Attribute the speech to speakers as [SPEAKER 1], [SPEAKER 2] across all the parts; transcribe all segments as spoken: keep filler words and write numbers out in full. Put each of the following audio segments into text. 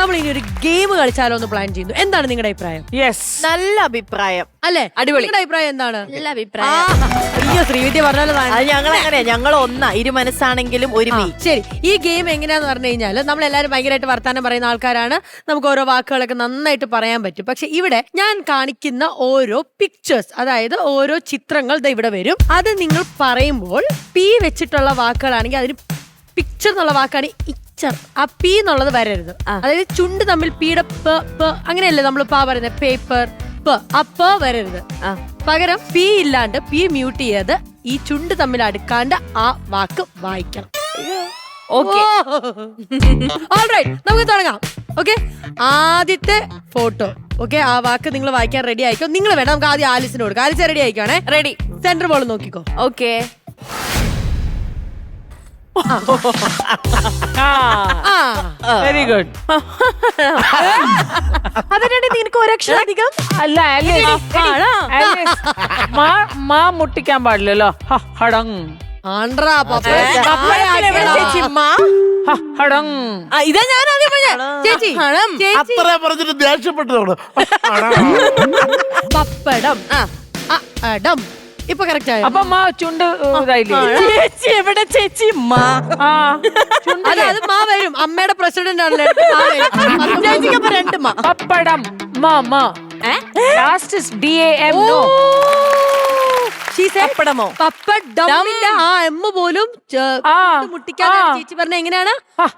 [SPEAKER 1] നമ്മൾ ഇനി ഒരു ഗെയിം കളിച്ചാലോ എന്ന് പ്ലാൻ ചെയ്യുന്നു. എന്താണ് നിങ്ങളുടെ അഭിപ്രായം?
[SPEAKER 2] യെസ്,
[SPEAKER 3] നല്ല അഭിപ്രായം
[SPEAKER 1] അല്ലേ?
[SPEAKER 3] അടിപൊളി.
[SPEAKER 1] നിങ്ങളുടെ അഭിപ്രായം എന്താണ്?
[SPEAKER 3] നല്ല അഭിപ്രായം.
[SPEAKER 1] അയ്യോ, ശ്രീവിദ്യ പറഞ്ഞാലോ.
[SPEAKER 3] ഞങ്ങൾ അങ്ങനെയാ, ഞങ്ങൾ ഒന്നാ, ഇരു മനസ്സാണെങ്കിലും ഒരുമി.
[SPEAKER 1] ശരി, ഈ ഗെയിം എങ്ങനെയാന്ന് പറഞ്ഞു കഴിഞ്ഞാൽ നമ്മൾ എല്ലാവരും ഭയങ്കരമായിട്ട് വർത്താനം പറയുന്ന ആൾക്കാരാണ്. നമുക്ക് ഓരോ വാക്കുകളൊക്കെ നന്നായിട്ട് പറയാൻ പറ്റും. പക്ഷെ ഇവിടെ ഞാൻ കാണിക്കുന്ന ഓരോ പിക്ചേഴ്സ്, അതായത് ഓരോ ചിത്രങ്ങൾ ദാ ഇവിടെ വരും. അത് നിങ്ങൾ പറയുമ്പോൾ പി വെച്ചിട്ടുള്ള വാക്കുകളാണെങ്കിൽ അതിന് പിക്ചർ എന്നുള്ള വാക്കാണ് ഇച്ചർ. ആ പി എന്നുള്ളത് വരരുത്. അതായത് ചുണ്ട് തമ്മിൽ പിയുടെ പ പ അങ്ങനെയല്ലേ നമ്മൾ പാ പറയുന്നത്, പേപ്പർ പ, ആ പ വരരുത്. പകരം പി ഇല്ലാണ്ട് പി മ്യൂട്ട് ചെയ്ത് ഈ ചുണ്ട് തമ്മിൽ അടുക്കാണ്ട് ആ വാക്ക് വായിക്കണം. നമുക്ക് തുടങ്ങാം. ഓക്കെ, ആദ്യത്തെ ഫോട്ടോ. ഓക്കെ, ആ വാക്ക് നിങ്ങൾ വായിക്കാൻ റെഡി ആയിക്കോ. നിങ്ങൾ വേണം, നമുക്ക് ആദ്യം ആലിസിന് കൊടുക്കാം. ആലിസ് റെഡി ആയിക്കോണേ.
[SPEAKER 3] റെഡി.
[SPEAKER 1] സെന്റർ ബോൾ നോക്കിക്കോ.
[SPEAKER 3] ഓക്കെ.
[SPEAKER 2] Very good.
[SPEAKER 3] അതിനാണ് നിനക്ക് ഒരക്ഷരം അധികം.
[SPEAKER 2] അല്ല, മാ മുട്ടിക്കാൻ പാടില്ലല്ലോ. ഹടങ്
[SPEAKER 1] ആണ്ട്രാ
[SPEAKER 3] ഇതാ ഞാൻ ആദ്യം പറഞ്ഞ ചേച്ചി.
[SPEAKER 4] അത്ര പറഞ്ഞിട്ട് ദേഷ്യപ്പെട്ടതാണ്.
[SPEAKER 1] പപ്പടം. അടം. ഇപ്പൊ കറക്റ്റ് ആയോ?
[SPEAKER 2] അപ്പൊ മാ ചുണ്ട് ഇതായില്ലേ?
[SPEAKER 3] ചേച്ചി എവിടെ ചേച്ചി?
[SPEAKER 1] അത് മാ വരും. അമ്മയുടെ പ്രസിഡന്റ് ആണല്ലോ.
[SPEAKER 3] ചേച്ചിക്ക് രണ്ട് മാ.
[SPEAKER 2] പപ്പടം. മാ മാ last D A M. No,
[SPEAKER 3] പപ്പടമോ?
[SPEAKER 1] പപ്പടമിന്റെ ആ എം പോലും മുട്ടിക്കാതെ ചേച്ചി പറഞ്ഞ എങ്ങനെയാണ്?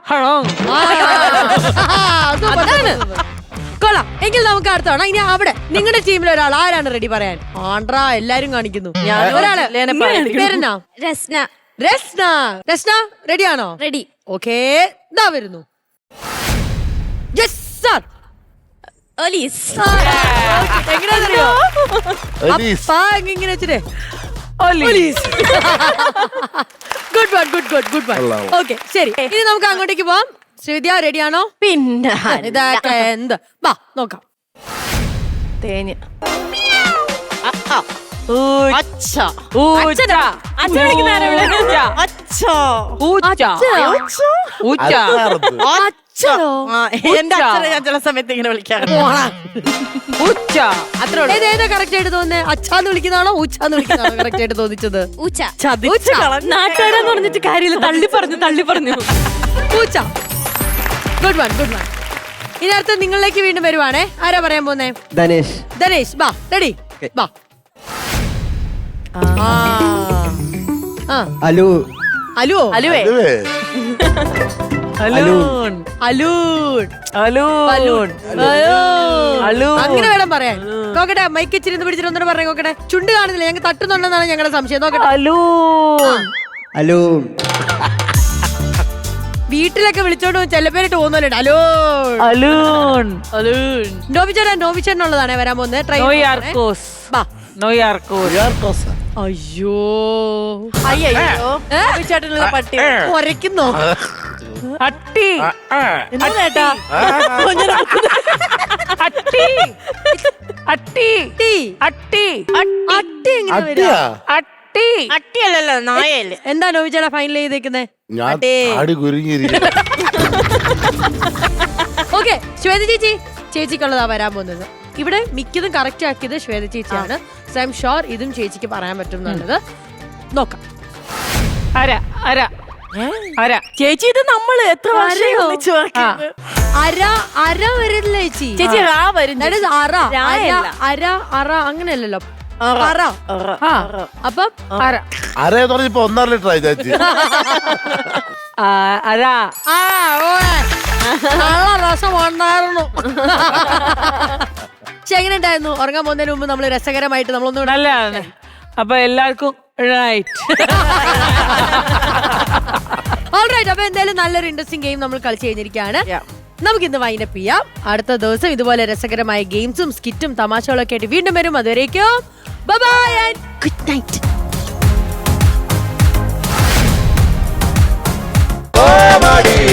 [SPEAKER 1] കൊള്ളാം. എങ്കിൽ നമുക്ക് അടുത്താണ്. ഇനി അവിടെ നിങ്ങളുടെ ടീമിൽ ഒരാൾ ആരാണ് റെഡി പറയാൻ? ആണ്ട്രാ, എല്ലാരും കാണിക്കുന്നു. ഒരാള് പേരെന്നാ?
[SPEAKER 5] രസ്ന.
[SPEAKER 1] രസ്ന. രസ്ന റെഡിയാണോ?
[SPEAKER 5] റെഡി.
[SPEAKER 1] ഓക്കേ, ഇതാ വരുന്നു. Yes sir.
[SPEAKER 5] ഒലീസ്.
[SPEAKER 1] എങ്ങനെയാണെന്നറിയോ? അപ്പാ ഇങ്ങനെ വെച്ചിട്ടേ good one, good good good one. Okay, ശരി. ഇനി നമുക്ക് അങ്ങോട്ടേക്ക് പോവാം. ശ്രീവിദ്യ റെഡിയാണോ?
[SPEAKER 3] പിന്നെ
[SPEAKER 1] ഇതൊക്കെ എന്ത്? വാ നോക്കാം.
[SPEAKER 3] തേഞ്ഞ്. എന്റെ അച്ഛനെ ഞാൻ ചില സമയത്ത് ഇങ്ങനെ വിളിക്കാറുണ്ട്.
[SPEAKER 1] ഏതേതാ കറക്റ്റ് ആയിട്ട് തോന്നുന്നേ? അച്ഛാന്ന് വിളിക്കുന്നതാണോ ഊച്ചാന്ന് വിളിക്കുന്നതാണോ കറക്റ്റ് ആയിട്ട് തോന്നിച്ചത്?
[SPEAKER 5] ഊച്ച.
[SPEAKER 3] നാട്ടുകാരെന്ന് പറഞ്ഞിട്ട് കാര്യമില്ല, തള്ളി പറഞ്ഞു തള്ളി പറഞ്ഞു.
[SPEAKER 1] ഊച്ച. Good one, good one. ഇനി അടുത്ത് നിങ്ങളിലേക്ക് വീണ്ടും വരുവാണേ. ആരാ പറയാൻ പോന്നേ?
[SPEAKER 6] ധനേഷ്.
[SPEAKER 1] ധനേഷ് ബാ. റെഡി? ബാ.
[SPEAKER 6] അലു.
[SPEAKER 1] അലുവോ?
[SPEAKER 3] അലുവേ.
[SPEAKER 2] അലൂൺ.
[SPEAKER 1] അലൂൺ.
[SPEAKER 2] അലൂൺ. അലൂൺ.
[SPEAKER 1] അങ്ങനെ വേണം പറയാൻ. നോക്കട്ടെ, മൈക്ക് ഇച്ചിരി പിടിച്ചിട്ട് ഒന്നും പറഞ്ഞേ. നോക്കട്ടെ, ചുണ്ട് കാണുന്നില്ല. ഞങ്ങൾക്ക് തട്ടുന്നുണ്ടെന്നാണ് ഞങ്ങളുടെ സംശയം. നോക്കട്ടെ.
[SPEAKER 2] അലൂൺ.
[SPEAKER 6] അലൂൺ.
[SPEAKER 1] വീട്ടിലൊക്കെ വിളിച്ചോണ്ട് ചെല്ലപ്പേരിട്ട് പോകുന്നല്ലോ. അലൂൺ.
[SPEAKER 2] അലൂൺ.
[SPEAKER 1] അലൂൺ. നോബിച്ചേട്ടൻ നോബിച്ചേട്ടനുള്ളതാണേ വരാൻ പോകുന്നത്. ട്രൈ
[SPEAKER 2] നോയാർക്കോസ്.
[SPEAKER 1] ബാ.
[SPEAKER 2] നോയാർക്കോസ്.
[SPEAKER 1] അയ്യോ
[SPEAKER 3] അയ്യോ, ചേട്ടനുള്ള പട്ടി
[SPEAKER 1] ഒരയ്ക്കുന്നോ?
[SPEAKER 2] അട്ടി.
[SPEAKER 3] എന്താ ചേട്ടാ?
[SPEAKER 2] അട്ടി. അട്ടി. അട്ടി.
[SPEAKER 1] അട്ടി എങ്ങനെ വരിക?
[SPEAKER 2] അട്ടി.
[SPEAKER 3] അട്ടിയല്ലല്ലോ, നായല്ലേ.
[SPEAKER 1] എന്താ നോബിച്ചേട്ടാ ഫൈനൽ ചെയ്തേക്കുന്നേ? ഓക്കെ, ശ്വേത ചേച്ചി ചേച്ചിക്കുള്ളതാ വരാൻ പോകുന്നത്. ഇവിടെ മിക്കതും കറക്റ്റ് ആക്കിയത് ശ്വേത ചേച്ചിയാണ്. സോ ഐ എം ഷുവർ ഇതും ചേച്ചിക്ക് പറയാൻ പറ്റും എന്നുള്ളത്. നോക്കാം.
[SPEAKER 2] അര അര അര.
[SPEAKER 3] ചേച്ചി ഇത് നമ്മള് എത്ര
[SPEAKER 1] അര അര വരില്ല ചേച്ചി.
[SPEAKER 3] ചേച്ചി റാ വരും.
[SPEAKER 1] അറ അര അറ അങ്ങനെയല്ലല്ലോ. അറ. അപ്പം
[SPEAKER 2] അര
[SPEAKER 4] അരയെന്ന് പറഞ്ഞപ്പോ ഒന്നര ലിറ്റർ ആയി ചേച്ചി.
[SPEAKER 2] അര.
[SPEAKER 1] ആ നല്ല രസം ഉണ്ടായിരുന്നു. പക്ഷെ എങ്ങനെ ഉണ്ടായിരുന്നു? ഉറങ്ങാൻ പോകുന്നതിന് മുമ്പ് നമ്മൾ രസകരമായിട്ട് നമ്മളൊന്നും
[SPEAKER 2] നല്ലതാണ്. അപ്പൊ എല്ലാവർക്കും റൈറ്റ്.
[SPEAKER 1] ഓൾറൈറ്റ്. അപ്പൊ എന്തായാലും നല്ലൊരു ഇൻട്രസ്റ്റിംഗ് ഗെയിം നമ്മൾ കളിച്ചു കഴിഞ്ഞിരിക്കുകയാണ്. നമുക്ക് ഇന്ന് വൈൻഡപ്പ് ചെയ്യാം. അടുത്ത ദിവസം ഇതുപോലെ രസകരമായ ഗെയിംസും സ്കിറ്റും തമാശകളൊക്കെ ആയിട്ട് വീണ്ടും വരും. അതുവരേക്കും bye bye and good night.